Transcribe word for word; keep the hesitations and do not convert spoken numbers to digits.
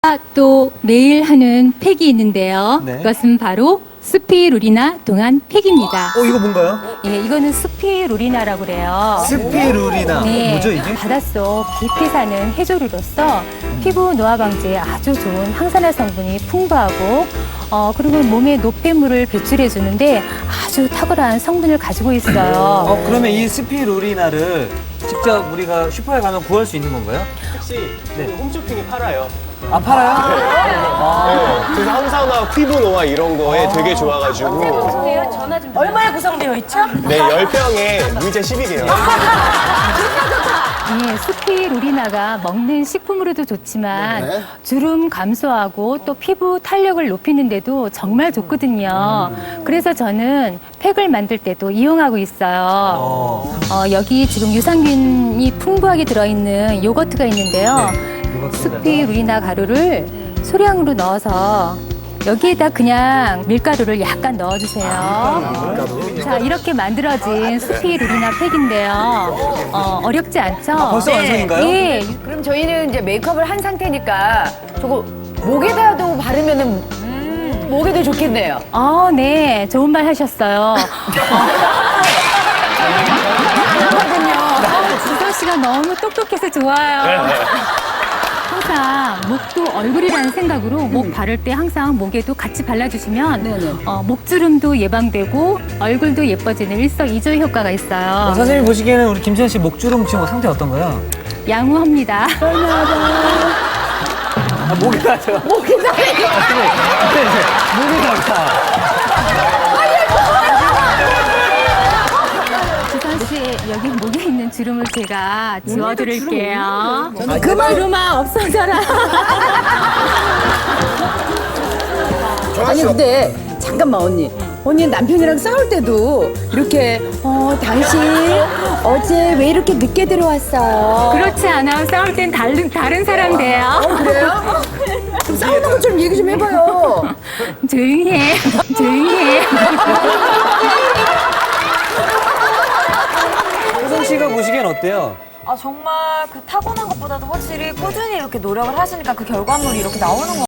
제가 또 매일 하는 팩이 있는데요. 네. 그것은 바로 스피루리나 동안 팩입니다. 어, 이거 뭔가요? 예, 이거는 스피루리나라고 그래요. 스피루리나. 네, 뭐죠, 이게? 바닷속 깊이 사는 해조류로서 피부 노화 방지에 아주 좋은 항산화 성분이 풍부하고 어, 그리고 몸에 노폐물을 배출해 주는데 아주 탁월한 성분을 가지고 있어요. 어, 그러면 이 스피루리나를 직접 우리가 슈퍼에 가면 구할 수 있는 건가요? 혹시 네. 그 홈쇼핑에 팔아요. 아, 팔아요? 네. 그래서 항산화, 피부 노화 이런 거에 되게 좋아가지고 전화 좀 얼마에 구성되어 있죠? 네, 열 병에 무이자 십 일이에요. 예, 스피루리나가 먹는 식품으로도 좋지만 네. 주름 감소하고 또 피부 탄력을 높이는데도 정말 좋거든요. 그래서 저는 팩을 만들 때도 이용하고 있어요. 어. 어, 여기 지금 유산균이 풍부하게 들어있는 요거트가 있는데요. 스피루리나 가루를 소량으로 넣어서 여기에다 그냥 밀가루를 약간 넣어주세요. 자, 이렇게 만들어진 스피루리나 팩인데요. 어, 어렵지 않죠? 벌써 완성인가요? 예, 그럼 저희는 이제 메이크업을 한 상태니까 저거 목에다도 바르면은 목에도 좋겠네요. 어, 네, 좋은 말 하셨어요. 어, 주선 씨가 너무 똑똑해서 좋아요. 항상 목도 얼굴이라는 생각으로 목 바를 때 항상 목에도 같이 발라주시면 어, 목주름도 예방되고 얼굴도 예뻐지는 일석이조 효과가 있어요. 선생님 보시기에는 우리 김지현 씨 목주름 지금 상태 어떤가요? 양호합니다. 아, 목이 나죠? 목이 나요. 목이 나다. 주선 씨, 여기 목에 있는 주름을 제가 지워드릴게요. 그만. 주름아 없어져라. 아니 근데 잠깐만 언니. 언니 남편이랑 싸울 때도 이렇게 어 당신 어제 왜 이렇게 늦게 들어왔어요? 그렇지 않아요. 싸울 땐 다른, 다른 사람 돼요. 그래요? 좀 싸우는 것처럼 얘기 좀 해봐요. 조용히 해. 조용히 해. 혜성 씨가 보시기엔 어때요? 아, 정말 그 타고난 것보다도 확실히 꾸준히 이렇게 노력을 하시니까 그 결과물이 이렇게 나오는 것